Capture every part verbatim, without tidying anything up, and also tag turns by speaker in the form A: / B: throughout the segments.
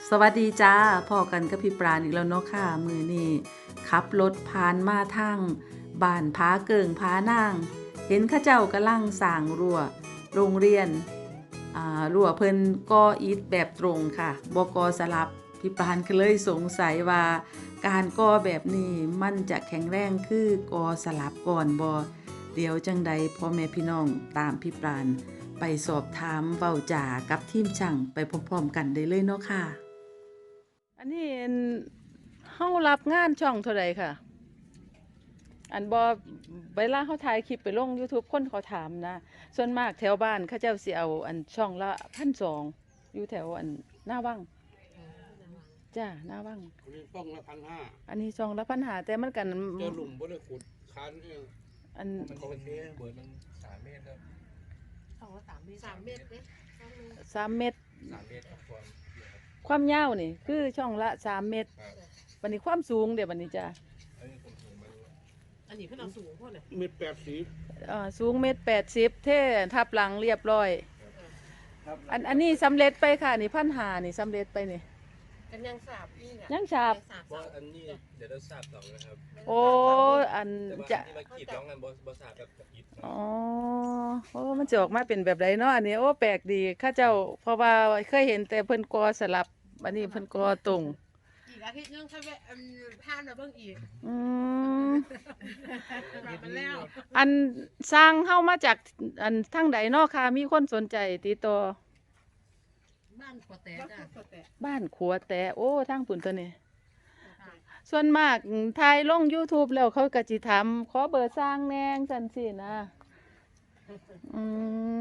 A: สวัสดีจ้าพ่อกันกับพี่ปราณอีกแล้วเนาะค่ะมือนี่ขับรถผ่านมาทางบ้านผาเกิงผานาง เห็นเข้าเจ้ากำลังสร้างรั้วโรงเรียนอ่ารั้วเพิ่นก่ออิฐแบบตรงค่ะบ่ก่อสลับพี่ปราณก็เลยสงสัยว่าการก่อแบบนี้มันจะแข็งแรงคือก่อสลับก่อนบ่เดี๋ยวจังใดพ่อแม่พี่น้องตามพี่ปราณไปสอบถามเว้าจากับทีมช่างไปพร้อมๆกันได้เลยเนาะค่ะ อันนี้อันเฮารับงานช่องเท่าใดค่ะ อันบ่เวลาเฮาถ่ายคลิปไปลง YouTube คนเขาถามนะ ส่วนมากแถวบ้านเขาเจ้าสิเอาอันช่องละพันสองอยู่แถวอันหน้าวังจ้าหน้าวัง
B: อันนี้ป้องละพันห้า
A: อันนี้ช่องละพันหาแต่มันกัน
B: เจอหลุมบ่ได้ขุดคันเอง
A: อัน
C: มันเขาเทเบิร์ดมันสามเมตรครับ
D: สองละสามเมตรสามเมตรเนี่ย
A: สามเมตร
C: สามเมตรครับความเยอะครับ
A: ความยาวนี่คือช่องละสามเมตร
C: ครับ
A: บัดนี้ความสูงเดี๋ยวบัดนี้จ้า
C: อันนี้ผมสูงไม่รู้
D: อันนี้เพิ่นเอาสูงพวกเลย
B: เม็ดแปดสิบ
A: เอ่อสูงเมตรแปดสิบเท่ทับหลังเรียบร้อย
B: ครับ
A: อันอันนี้สำเร็จไปค่ะนี่พันหานี่สำเร็จไปนี่
D: กันยังสาบนี่น่ะ
A: ยังฉาบ
D: สาบ
C: เพราะอันนี้เดี๋ยวเราทราบต่อนะครับ
A: โอ้อัน
C: แต่ว่า
A: จะ
C: ที่มากีดร้องกันบอบอทราบแบบกับอิฐ
A: อ๋อโอ้มันจะออกมาเป็นแบบไรเนาะอันนี้โอ้แปลกดีข้าเจ้าเพราะว่าเคยเห็นแต่เพิ่นกอสลับอันนี้เพิ่นกอตรง
D: อีกอาทิตย์นึงค่อยแวะอันผ่านมาเบิ่งอีก
A: อืม
D: แบบมันแล้ว
A: อันสร้างเฮามาจากอันทางใดเนาะค่ะมีคนสนใจติดต่อ
D: บ้านขวแต่จ้ะขวแต่
A: บ้านขัวแต่โอ้ทางปุ่นตัวนี้ส่วนมากถ่ายลง YouTube แล้วเขาก็สิถามขอเบอร์สร้างแหน่งจังซี่นะอืม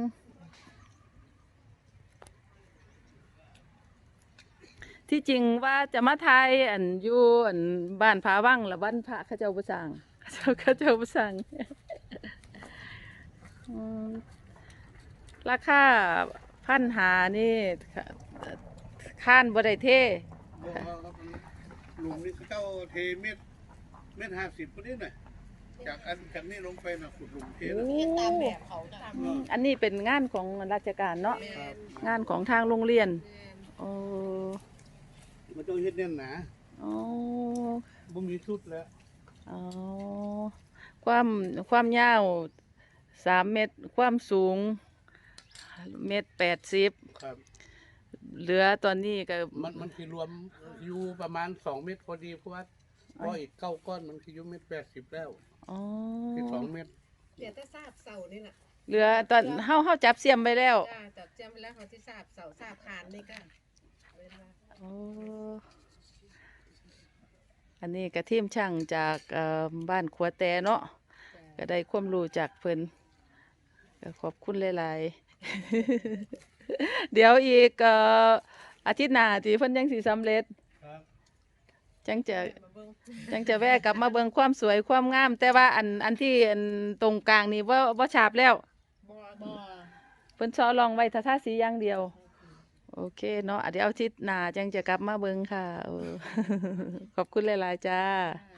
A: ที่จริงว่าจะมาทายอันอยู่อันบ้านผาวังละบ้านพระเขาเจ้าบ่สร้างเขาเจ้าเขาเจ้าบ่สร้างอืมราคาพันหานี่ค้านบ่ได้เท
B: หลุมนี่เขาเจ้าเทเม็ดเม็ดห้าสิบคนนี้น่ะจากอันจากนี้ลงไปน่ะขุดหลุมเทแล้ว
D: เฮ็ดตามแบบเขาจ้ะ
A: อืมอันนี้เป็นงานของราชการเนาะ
D: แม่น
A: งานของทางโรงเรียน
D: แม่น
A: โอ้
B: มันต้องเฮ็ดแน่นหนา
A: โอ้
B: บ่มีสุดแล้ว
A: อ๋อความความยาวสามเมตร ความสูงเมตรแปดสิบ
B: ครับ
A: เหลือตอนนี้ก็
B: มันมันคือรวมอยู่ประมาณสองเม็ดพอดีเพราะว่าเพราะอีกเก้าก้อนมันคืออยู่เม็ดแปดสิบแล้ว
A: อ๋อ
B: ที่สองเม็ด
D: เดี๋ยวแต่ทราบเสานี่น่ะ
A: เหลือตอนเฮาเฮาจับเสียมไปแล้ว
D: จ้าจับแจมไปแล้วเขาที่ทราบเสาทราบคานนี่ก็เว้นว่า
A: โอ้อันนี้กระทีมช่างจากเอ่อบ้านขัวแต่เนาะ
D: จ้ะ
A: ก็ได้ความรู้จากเพิ่นก็ขอบคุณหลายๆ เดี๋ยวอีกเอ่ออาทิตย์หน้าที่เพิ่นยังสิสำเร็จ
B: ครับ
A: จังจะ
D: มาเบิ่ง
A: จังจะแวะกลับมาเบิ่งความสวยความงาม แต่ว่าอันอันที่อันตรงกลางนี่บ่บ่ฉาบแล้ว
D: บ่บ่
A: เพิ่นซ้อลองไว้ทาทาสีอย่างเดียว โอเคเนาะอ่ะเดี๋ยวอาทิตย์หน้าจังจะกลับมาเบิ่งค่ะเออ ขอบคุณหลายๆจ้า
D: จ้า